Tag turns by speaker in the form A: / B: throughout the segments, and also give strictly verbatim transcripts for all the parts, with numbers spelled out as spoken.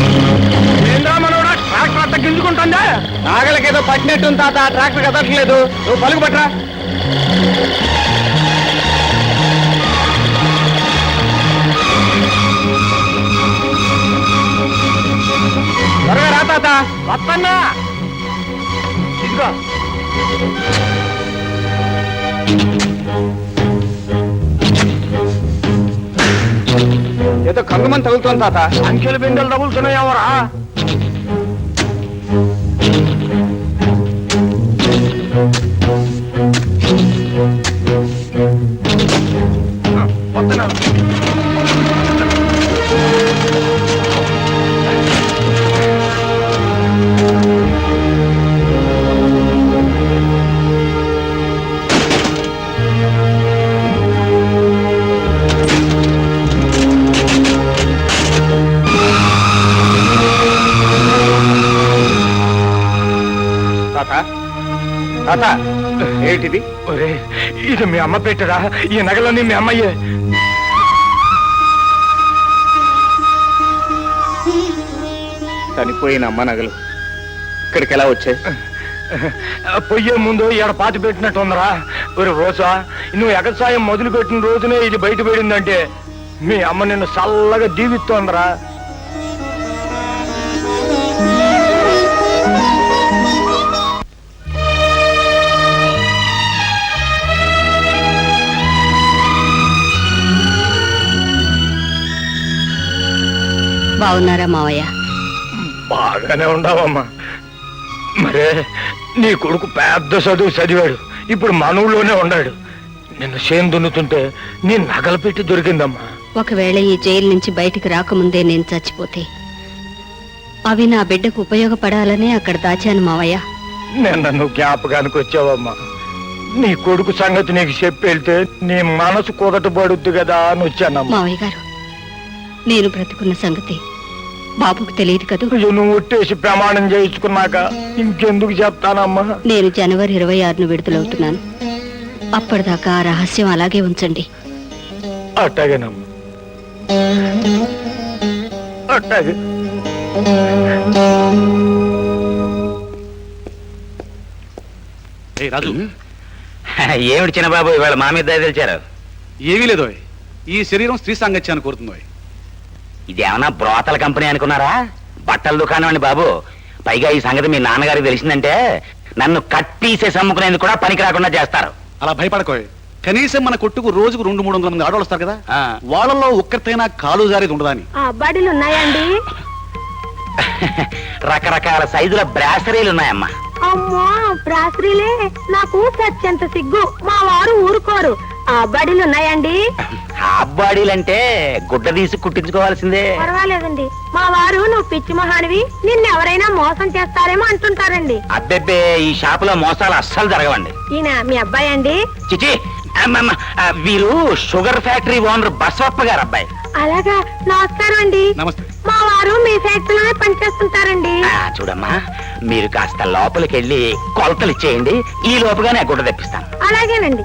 A: ఏంద్రా మనోడా ట్రాక్టర్ అంతా గింజుకుంటుందా? నాగలకేదో పట్టినట్టుంది తాత, ట్రాక్టర్ కదట్లేదు. నువ్వు పలుకు పట్రా. త్వరగా రా తాత. వస్తన్నా. ఇదిగో ఏదో కంగమని తగులుతోంది తాత. అంకెలు బిందెలు తగులుతున్నాయేమోరా. వస్తున్నా. తాత ఏంటిది? ఒరే ఇది మీ అమ్మ పెట్టరా? ఈ నగలన్నీ మీ అమ్మయ్యే. చనిపోయిన అమ్మ నగలు ఇక్కడికి ఎలా వచ్చాయి? పొయ్యే ముందు ఇక్కడ పాతి పెట్టినట్టు ఉందరా. ఒరే రోజా, నువ్వు ఎగసాయం మొదలు పెట్టిన రోజునే ఇది బయట పడిందంటే మీ అమ్మ నిన్ను చల్లగా దీవిస్తోందరా.
B: బాగున్నారా మావయ్య?
A: బాగానే ఉండవమ్మా. మరే నీ కొడుకు పెద్ద చదువు చదివాడు, ఇప్పుడు మన ఊళ్ళోనే ఉన్నాడు. నిన్ను చేను దున్నుతుంటే నీ నగలు పెట్టి దొరికిందమ్మా.
B: ఒకవేళ ఈ జైలు నుంచి బయటికి రాకముందే నేను చచ్చిపోతే అవి నా బిడ్డకు ఉపయోగపడాలనే అక్కడ దాచాను మావయ్య.
A: నేను నన్ను జ్ఞాపకానికి వచ్చావమ్మా. నీ కొడుకు సంగతి నీకు చెప్పి వెళ్తే నీ మనసు కుదట పడుద్ది కదా అని వచ్చానమ్మా.
B: మావయ్య గారు, నేను బ్రతుకున్న సంగతి బాబుకు తెలియదు కదా.
A: నువ్వు ఒట్టేసి ప్రమాణం చేయించుకున్నాక ఇంకెందుకు చెప్తానమ్మా.
B: నేను జనవరి ఇరవై ఆరును విడుదలవుతున్నాను. అప్పటిదాకా ఆ రహస్యం అలాగే ఉంచండి.
A: అట్టాగేనమ్మా, అట్టాగే.
C: రాజు,
D: ఏమిటి చిన్నబాబు ఇవాళ మా మీద దయ తెలిచారు?
C: ఏమీ లేదో, ఈ శరీరం స్త్రీ సాంగత్యాన్ని కోరుతుందో.
D: ఇదేమన్నా బ్రోతల కంపెనీ అనుకున్నారా? బట్టల దుకాణం అండి బాబు. పైగా ఈ సంగతి మీ నాన్నగారికి తెలిసిందంటే నన్ను కట్టీసేసి అమ్ముకునేందుకు కూడా పనికి రాకుండా చేస్తారు.
C: అలా భయపడకోయ్. కనీసం మన కొట్టుకు రోజుకు రెండు మూడు వందల మంది ఆడవాళ్ళు వస్తారు కదా, వాళ్ళలో ఒక్కరితైనా కాలు జారేది ఉండదా అని.
B: బడిలు ఉన్నాయండి?
D: రకరకాల సైజుల బ్రాసరీలు ఉన్నాయమ్మా.
B: అమ్మా, బ్రాసరీలే? నాకు సత్యంత సిగ్గు. మా వారు ఊరుకోరు. ఆ బడిలు ఉన్నాయండి?
D: హాఫ్ బాడీలంటే గుడ్డ తీసి కుట్టించుకోవాల్సిందే.
B: పర్వాలేదండి. మా వారు నువ్వు పిచ్చి మహానివి, నిన్నెవరైనా మోసం చేస్తారేమో అంటుంటారండి.
D: అబ్బెబ్బే, ఈ షాపులో మోసాలు అస్సలు జరగవండి.
B: ఈయన మీ అబ్బాయి అండి?
D: చిచి, వీరు షుగర్ ఫ్యాక్టరీ ఓనర్ బసవప్ప గారు అబ్బాయి.
B: అలాగా, నమస్కారం అండి.
C: నమస్తే.
B: మా వారు మీ ఫ్యాక్టరీలోనే పనిచేస్తుంటారండి.
D: చూడమ్మా, మీరు కాస్త లోపలికి వెళ్ళి కొలతలు ఇచ్చేయండి. ఈ లోపుగానే గుడ్డ తెప్పిస్తాను.
B: అలాగేనండి.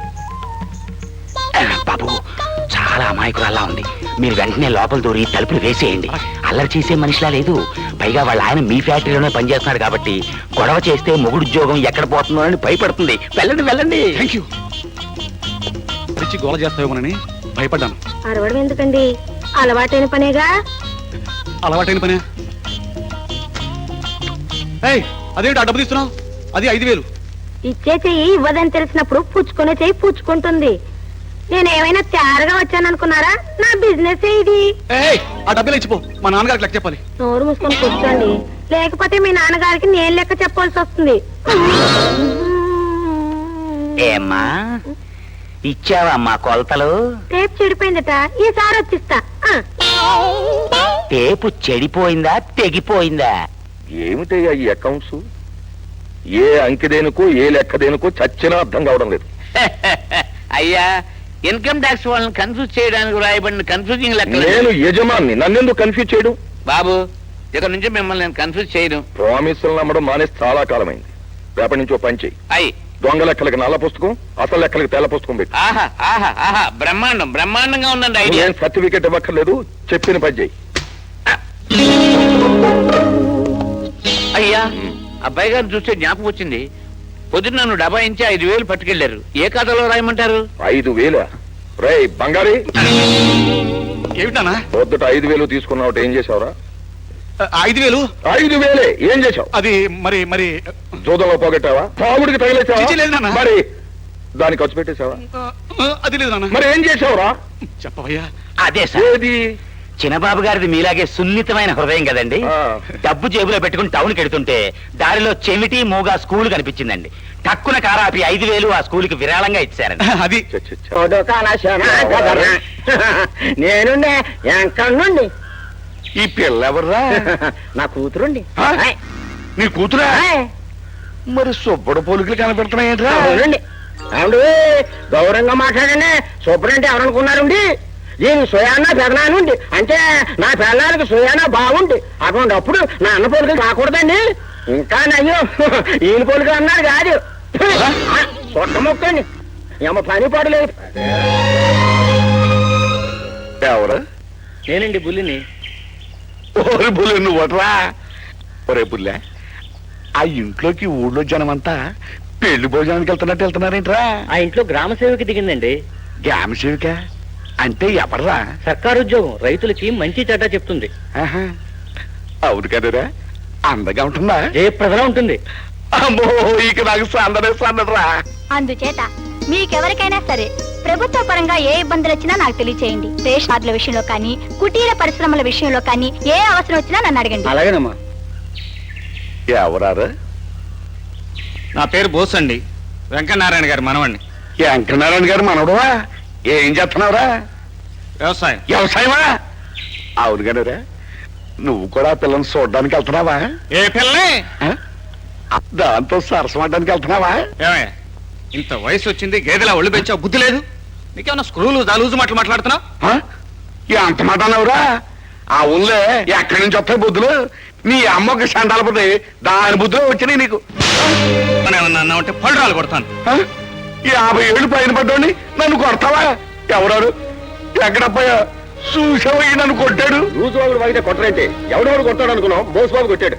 D: బాబు, చాలా అమాయకురాల్లా ఉంది. మీరు వెంటనే లోపల దూరి తలుపులు వేసేయండి. అల్లరి చేసే మనిషిలా లేదు. పైగా వాళ్ళ ఆయన మీ ఫ్యాక్టరీలోనే పనిచేస్తున్నాడు కాబట్టి గొడవ చేస్తే మొగుడు ఉద్యోగం ఎక్కడ పోతుందో అని భయపడుతుంది. వెళ్ళండి వెళ్ళండి.
C: Thank you. తెచ్చి గోల చేస్తావేమోనని భయపడ్డాను.
B: అరవడం ఎందుకండి, అలవాటైన పనేగా.
C: అలవాటైన పనే. ఏయ్, అదేంటి ఆ డబ్బు తీస్తున్నావు? అది ఐదు వేలు.
B: ఇచ్చే చెయ్యి ఇవ్వదని తెలిసినప్పుడు పుచ్చుకునే చెయ్యి పుచ్చుకుంటుంది. నేనేమైనా తయారుగా వచ్చాననుకున్నారా? నా బిజినెస్ ఇది.
C: ఏయ్, ఆ డబ్బులు ఇచ్చిపో, మా నాన్నగారికి లెక్క చెప్పాలి.
B: నోరు మూసుకొని కూర్చోండి, లేకపోతే మీ నాన్నగారికి నేను లెక్క చెప్పాల్సి వస్తుంది.
D: ఏమ్మా, ఇచ్చావమ్మా కొలతలు?
B: టేప్ చెడిపోయిందట, ఈసారి వచ్చిస్తా.
D: టేపు చెడిపోయిందా తెగిపోయిందా?
E: ఏమిటయ్యా ఈ అకౌంట్స్? ఏ అంకె దేనికో ఏ లెక్క దేనికో చచ్చినా అర్థం కావడం లేదు.
D: అయ్యా, ఇన్కమ్ ట్యాక్స్ వాళ్ళని కన్ఫ్యూజ్ చేయడానికి రాయబడిన కన్ఫ్యూజింగ్ లెక్క.
E: నేను యజమాన్ని, నన్నెందుకు కన్ఫ్యూజ్ చేయడం?
D: బాబు, ఇక్కడ నుంచి మిమ్మల్ని నేను కన్ఫ్యూజ్ చేయడం.
E: ప్రామిసులు నమ్మడం మానేసి చాలా కాలమైంది. రేపటి నుంచి ఓ పని చెయ్యి.
D: అయ్యి,
E: దొంగ లెక్కలకి నల్ల పుస్తకం, అసలు లెక్కలకి తెల్ల పుస్తకం పెట్టి.
D: ఆహా ఆహా ఆహా, బ్రహ్మాండం బ్రహ్మాండంగా ఉందండి ఐడియా.
E: సర్టిఫికేట్ ఇవ్వక్కర్లేదు, చెప్పిన పని చెయ్యి.
F: అబ్బాయి గారిని చూస్తే జ్ఞాపకం వచ్చింది. పొద్దున్న నన్ను డబ్బా ఇంచి ఐదు వేలు పట్టుకెళ్లారు. ఏ కథలో రాయమంటారు?
E: ఐదు వేల రేయ్ బంగారి,
C: ఏమిటానా
E: పొద్దుట ఐదు వేలు తీసుకున్నావు, ఏం చేసావురా?
C: ఐదు వేలు
E: ఐదు వేలే ఏం చేసావు?
C: అది మరి మరి
E: జూదంలో పోగొట్టావా? తాగుడికి
C: చిచి, లేదు
E: తగిలేసావా?
C: నాన్న.
E: మరి దానికి ఖర్చు పెట్టేశావా?
C: ఆ, అది లేదు నాన్న.
E: మరి ఏం చేసావురా?
C: చెప్పవయ్యా.
D: అదే సార్,
E: ఏది?
D: చిన్నబాబు గారిది మీలాగే సున్నితమైన హృదయం కదండి.
E: ఆ.
D: డబ్బు జేబులో పెట్టుకుని టౌన్కి వెడుతుంటే దారిలో చెమిటి మూగా స్కూల్ కనిపించిందండి. టక్కున కారాపి ఐదు వేలు ఆ స్కూల్కి విరాళంగా ఇచ్చారండి.
C: అది
E: చ్చ, చ్చ, చ్చ.
A: నేను నుండి
E: ఈ పిల్ల ఎవర్రా?
A: నా కూతురుండి.
E: ఆ? నీ కూతురా? మరి సుబ్బడు పోలికలు కనపెడుతున్నాయేంట్రా?
A: అవునండి. అవును, గౌరవంగా మాట్లాడండి. సూపరంటే ఎవరనుకున్నారండి? దీని సుయానా పెదనానుండి, అంటే నా పెళ్ళానికి సుయానా బాగుండి. అటువంటిప్పుడు నా అన్న పోలికలు రాకూడదండి. ఇంకా నయ్యో ఈయన పోలికలు అన్నారు కాదు. సొట్ట మొక్కండి, ఏమో పని పడలేదు.
E: ఎవరు?
A: నేనండి బుల్లిని.
E: ఓరి బుల్లె నువ్వట్రా? ఒరే బుల్లె, ఆ ఇంట్లోకి ఊళ్ళో జనమంతా పెళ్లి భోజనానికి వెళ్తున్నట్టు వెళ్తున్నారేంట్రా?
A: ఆ ఇంట్లో గ్రామ సేవకి దిగిందండి.
E: గ్రామ సేవిక అంటే ఎవర్రా?
A: సర్కారు ఉద్యోగం, రైతులకి మంచి చెడ్డ చెప్తుంది.
E: ఆహా. అవును కదరా, అందగా ఉంటుందా?
A: జయప్రదలా ఉంటుంది.
E: అమ్మో, ఇక నాకు సందడే సందడరా.
B: అందుచేత మీకెవరికైనా సరే ప్రభుత్వ పరంగా ఏ ఇబ్బందులు వచ్చినా నాకు తెలియచేయండి. రేషన్ కార్డుల విషయంలో కానీ, కుటీర పరిశ్రమల విషయంలో కానీ ఏ అవసరం వచ్చినా నన్ను అడగండి.
A: అలాగేనమ్మా.
E: ఎవరారు?
C: నా పేరు బోస్ అండి, వెంకటనారాయణ గారి మనవండి.
E: వెంకటనారాయణ గారు మనవడవా? ఏం చేస్తున్నావురా?
C: వ్యవసాయం.
E: వ్యవసాయమా? అవును కదరా, నువ్వు కూడా ఆ పిల్లని చూడడానికి వెళ్తున్నావా?
C: ఏ పిల్లనే?
E: ఆ? దాంతో సరసమడ్డానికి వెళ్తున్నావా?
C: ఏమయ్య, ఇంత వయసు వచ్చింది, గేదెలా ఒళ్ళు పెంచావు, బుద్ధి లేదు నీకేమన్నా? స్క్రూలు దాలూజు మాటలు మాట్లాడుతున్నావు?
E: ఆ? ఎంత మాట అన్నావురా? ఆ ఊళ్ళే ఎక్కడి నుంచి వస్తాయి బుద్ధులు? నీ అమ్మకి సండాలపోతే దాని బుద్ధులు వచ్చినాయి నీకు.
C: మనం ఏమన్నా అన్నా ఉంటే పళ్ళు కొడతాను.
E: ఆ? యాభై ఏళ్ళు పైన పడ్డాని నన్ను కొడతావా? ఎవరారు? ఎక్కడపోయా? చూసావయ్యి నన్ను కొట్టాడు.
A: రోజు వాడు వాగితే కొట్టరంటే ఎవడెవడు కొట్టాడు అనుకున్నావు? బోస్ బాబు కొట్టాడు.